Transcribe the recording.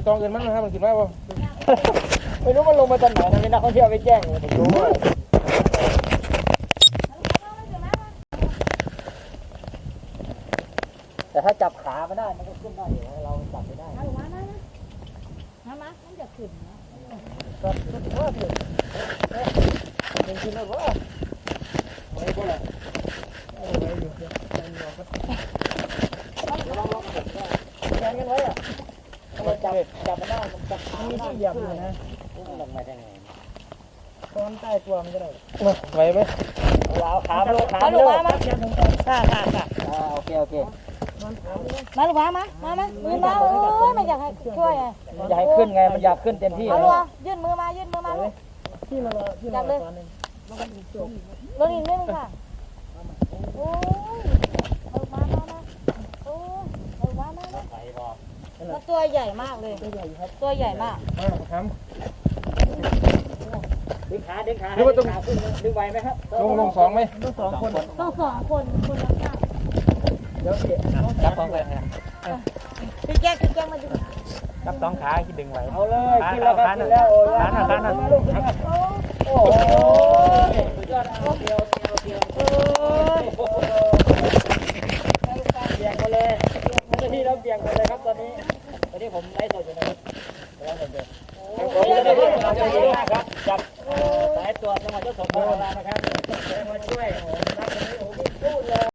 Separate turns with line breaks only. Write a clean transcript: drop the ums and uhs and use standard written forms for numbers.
ตองเงินมันนะครับมันกินไหมบ่
ไม่รู้มันลงมาตอนไหนนะมีนักท่องเที่ยวไปแจ้งผมรู้ว่าแต่ถ้าจับขาไม่ได้มันก็ขึ้นได้อยู่เราจับไม่ได้
มามันจะขึ้นนะ
ก็ขึ้นว่าถึงเป็นขึ้นแล้วว่าไม่ก็เลยแขนกันไว้อะมันจับไม่ได้มันจับขาไม่ได้เหยียบเลยนะมันลงมาได้ไงตอนใต้ตัวมันก็ได้
ไหวไหม
เอาขามาลงขา
มา
มา
ลู
ล
ก
ง
มาค่ะ
โอเคโอเค
มาลูกมามือมาโอ้ยมันอยากให้ช่วยไง
อยากให้ขึ้นไงมันอยากขึ้นเต็มที่
เอาลูกยื่นมือมาลูก
ที่เรา
จับเลยลงอีกนิดนึงค่ะโอ้ยเอามาโอ้ยเอามาแล้วตัวใหญ่มากเลยตัวใหญ่มาก
ครับ
ดึงขาขึ้นดึงไหวไหมครับ
ลงสองไหม
ต้องสองคน
ต้อง2 คนคนละข้าง
เดี๋ยวจับสองเลย
พี่แจ๊คมาดู
จับสองขาที่ดึงไหวเอาเลยขึ้นแล้วครับขึ้นแล้วโอ้โหสุดยอดเดียวเบียงมาเลยที่เราเบียงมาเลยครับตอนนี้ผมไล่สดอยู่นะครับครับจับสายตรวจจังหวัดยโสธรนะครับมาช่วยรับตรงนี้โอ้โหพูดเลย